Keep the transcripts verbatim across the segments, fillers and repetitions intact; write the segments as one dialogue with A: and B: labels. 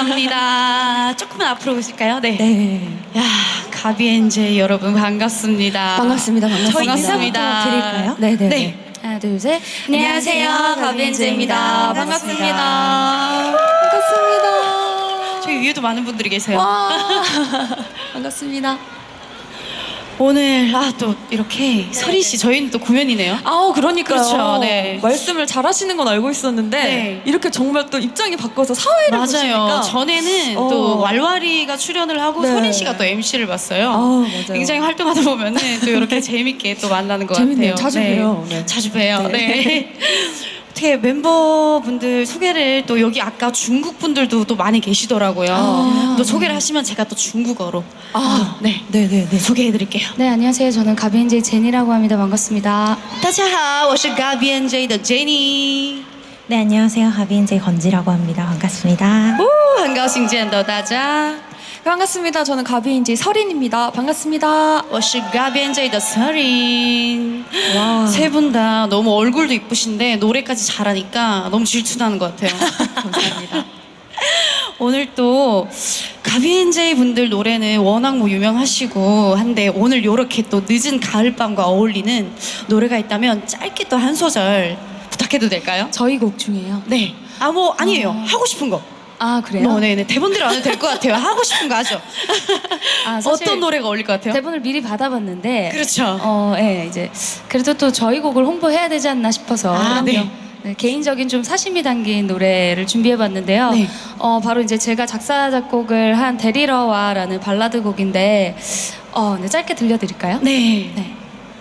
A: 감사합니다. 조금만 앞으로 오실까요? 네.
B: 네.
A: 야, 가비엔제 여러분 반갑습니다.
B: 반갑습니다. 반갑습니다.
A: 저희 인사부터
B: 드릴까요?
A: 네, 네.
B: 네.
A: 하나, 둘, 셋.
B: 안녕하세요. 가비엔제입니다.
A: 반갑습니다.
B: 반갑습니다.
A: 저희 위에도 많은 분들이 계세요.
B: 와. 반갑습니다.
A: 오늘 아 또 이렇게 서리 씨 저희는 또 구면이네요.
B: 아우 그러니까요.
A: 그렇죠, 네.
B: 말씀을 잘하시는 건 알고 있었는데
A: 네.
B: 이렇게 정말 또 입장이 바꿔서 사회를
A: 맞아요.
B: 보시니까
A: 전에는
B: 어.
A: 또 왈왈이가 출연을 하고
B: 네.
A: 서린 씨가 또 엠씨를 봤어요.
B: 아우, 맞아요.
A: 굉장히 활동하다 보면은 또 이렇게 재밌게 또 만나는 것
B: 재밌네요.
A: 같아요.
B: 자주
A: 네.
B: 봬요. 네.
A: 자주 봬요.
B: 네.
A: 네. 어떻게 멤버분들 소개를 또 여기 아까 중국 분들도 또 많이 계시더라고요.
B: 아.
A: 또 소개를 하시면 제가 또 중국어로
B: 아.
A: 네
B: 네네네.
A: 소개해드릴게요.
C: 네, 안녕하세요. 저는 가비엔제이 제니라고 합니다. 반갑습니다.
A: 大家好，我是 가비엔제이的 제니。
D: 네, 안녕하세요. 하비엔제이 건지라고 합니다. 반갑습니다.
A: 哦，很高兴见到大家。
B: 반갑습니다. 저는 가비인지 설인입니다. 반갑습니다.
A: 我是 가비엔제이的 서린。
B: 와.
A: 세 분 다 너무 얼굴도 이쁘신데 노래까지 잘하니까 너무 질투나는 것 같아요.
B: 감사합니다.
A: 오늘 또 가비엔제이 분들 노래는 워낙 뭐 유명하시고 한데 오늘 이렇게 또 늦은 가을밤과 어울리는 노래가 있다면 짧게 또 한 소절 부탁해도 될까요?
C: 저희 곡 중에요.
A: 네. 아 뭐 아니에요.
C: 어.
A: 하고 싶은 거.
C: 아, 그래요?
A: 뭐 네네 대본대로 안 해도 될 것 같아요. 하고 싶은 거 하죠.
C: 아, 사실
A: 어떤 노래가 어울릴 것 같아요?
C: 대본을 미리 받아봤는데
A: 그렇죠.
C: 어, 예, 이제 그래도 또 저희 곡을 홍보해야 되지 않나 싶어서
A: 아, 네.
C: 네, 개인적인 좀 사심이 담긴 노래를 준비해봤는데요.
A: 네.
C: 어, 바로 이제 제가 작사 작곡을 한 데리러와라는 발라드 곡인데 어, 네, 짧게 들려드릴까요?
A: 네.
C: 네.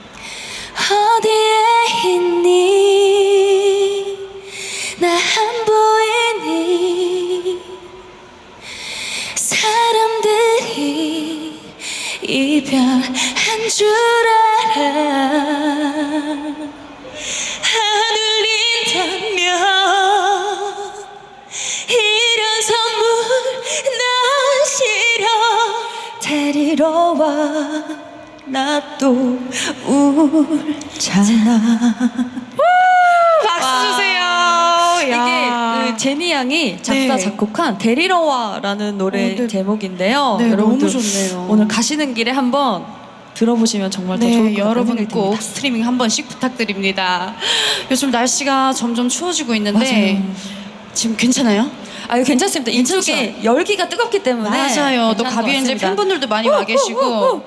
C: 어디에 있니? 나 안 보이니? 사람들이 이별한 줄 알아. 하늘린다면 이런 선물 난 싫어. 데리러 와. 나 또 울잖아.
A: 박수 주세요.
B: 이게
A: 야.
B: 그 제니 양이 작사
A: 네.
B: 작곡한 데리러 와라는 노래
A: 어, 네.
B: 제목인데요.
A: 네,
B: 여러분들
A: 너무 좋네요.
B: 오늘 가시는 길에 한번 들어보시면 정말 더
A: 네,
B: 좋을 것 같다는
A: 여러분
B: 생각이
A: 꼭
B: 듭니다.
A: 스트리밍 한 번씩 부탁드립니다. 요즘 날씨가 점점 추워지고 있는데
B: 맞아요.
A: 지금 괜찮아요?
B: 아, 괜찮습니다. 이쪽에 열기가 뜨겁기 때문에
A: 맞아요. 또
B: 괜찮은 것
A: 가비엔제
B: 같습니다.
A: 팬분들도 많이 와 계시고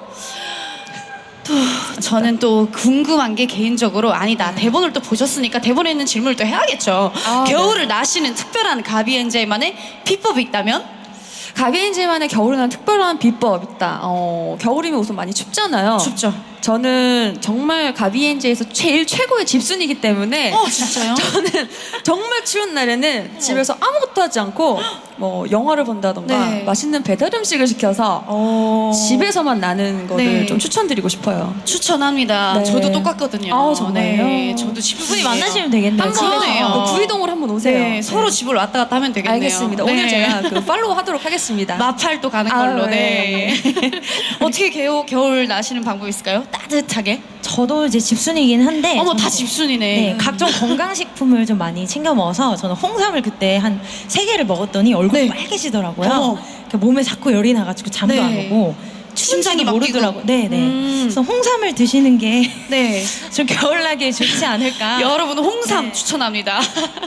A: 또 저는 또 궁금한 게 개인적으로 아니다. 대본을 또 보셨으니까 대본에 있는 질문을 또 해야겠죠.
B: 아,
A: 겨울을 나시는 특별한 가비엔제만의 비법이 있다면?
B: 가비엔제만의 겨울에 난 특별한 비법 있다. 어, 겨울이면 우선 많이 춥잖아요.
A: 춥죠.
B: 저는 정말 가비엔제에서 제일 최고의 집순이기 때문에
A: 어, 진짜요?
B: 저는 정말 추운 날에는 집에서 아무것도 하지 않고 뭐 영화를 본다던가
A: 네.
B: 맛있는 배달 음식을 시켜서
A: 어...
B: 집에서만 나는 거를
A: 네.
B: 좀 추천드리고 싶어요.
A: 추천합니다.
B: 네.
A: 저도 똑같거든요.
B: 아우, 정말요?
A: 네, 저도 집분이
D: 만나시면 되겠네요.
A: 한번
D: 집에서.
A: 해요.
B: 어, 구이동으로 한번 오세요.
A: 네, 서로 집을 왔다 갔다 하면 되겠네요.
B: 알겠습니다.
A: 네.
B: 오늘 제가 그 팔로우 하도록 하겠습니다.
A: 마팔도 가는
B: 아,
A: 걸로.
B: 네.
A: 네. 어떻게 겨울, 겨울 나시는 방법이 있을까요? 따뜻하게.
D: 저도 이제 집순이긴 한데.
A: 어머
D: 저는
A: 다 집순이네.
D: 네, 각종 건강식품을 좀 많이 챙겨 먹어서 저는 홍삼을 그때 한 세 개를 먹었더니 얼굴이
A: 네.
D: 빨개지더라고요.
A: 어머.
D: 그러니까 몸에 자꾸 열이 나가지고 잠도
A: 네.
D: 안 오고
A: 심장이
D: 심장이
A: 막
D: 모르더라고요.
A: 뛰고.
D: 네네.
A: 음.
D: 그래서 홍삼을 드시는 게 좀
A: 네.
D: 겨울나기에 좋지 않을까.
A: 여러분 홍삼
D: 네.
A: 추천합니다.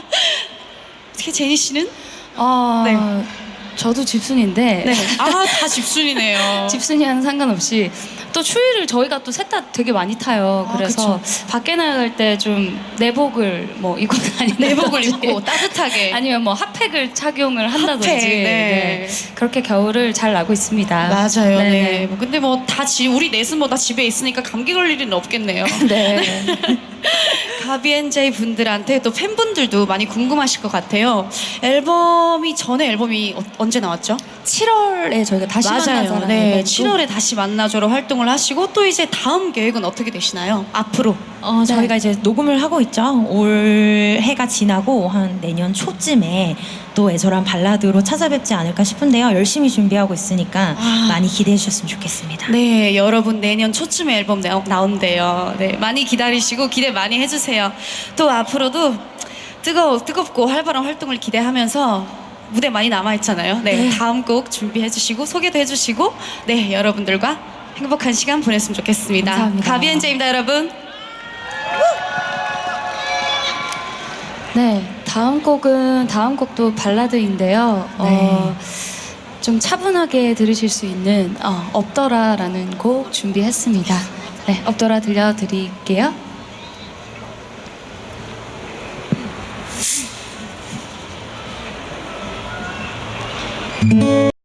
A: 어떻게 제니 씨는?
C: 어,
A: 네.
C: 저도 집순인데
A: 네. 아, 다 집순이네요.
C: 집순이와는 상관없이 또 추위를 저희가 또 셋 다 되게 많이 타요.
A: 아,
C: 그래서 밖에 나갈 때 좀 내복을 뭐 입고 다니는
A: 내복을 입고 따뜻하게.
C: 아니면 뭐 핫팩을 착용을 한다든지
A: 핫팩, 네.
C: 네. 그렇게 겨울을 잘 나고 있습니다.
A: 맞아요. 네.
C: 네.
A: 뭐 근데 뭐 다 지, 우리 넷은 뭐 다 집에 있으니까 감기 걸릴 일은 없겠네요.
C: 네.
A: 가비엔제이 분들한테 또 팬분들도 많이 궁금하실 것 같아요. 앨범이 전에 앨범이 어, 언제 나왔죠?
B: 칠월에 저희가 다시 만나자라는
A: 네,
B: 이벤트.
A: 칠월에 다시 만나줘로 활동을 하시고 또 이제 다음 계획은 어떻게 되시나요? 앞으로.
D: 어, 저희가 이제 녹음을 하고 있죠. 올 해가 지나고 한 내년 초쯤에 또 애절한 발라드로 찾아뵙지 않을까 싶은데요. 열심히 준비하고 있으니까
A: 아.
D: 많이 기대해 주셨으면 좋겠습니다.
A: 네, 여러분 내년 초쯤에 앨범 나, 나온대요. 네, 많이 기다리시고 기대 많이 해주세요. 또 앞으로도 뜨거 뜨겁고 활발한 활동을 기대하면서 무대 많이 남아있잖아요. 네,
B: 네.
A: 다음 곡 준비해주시고 소개도 해주시고 네, 여러분들과 행복한 시간 보냈으면 좋겠습니다.
C: 감사합니다.
A: 가비엔제입니다, 여러분.
C: 네, 다음 곡은 다음 곡도 발라드인데요. 어, 좀 차분하게 들으실 수 있는 어, 없더라라는 곡 준비했습니다. 네, 없더라 들려드릴게요.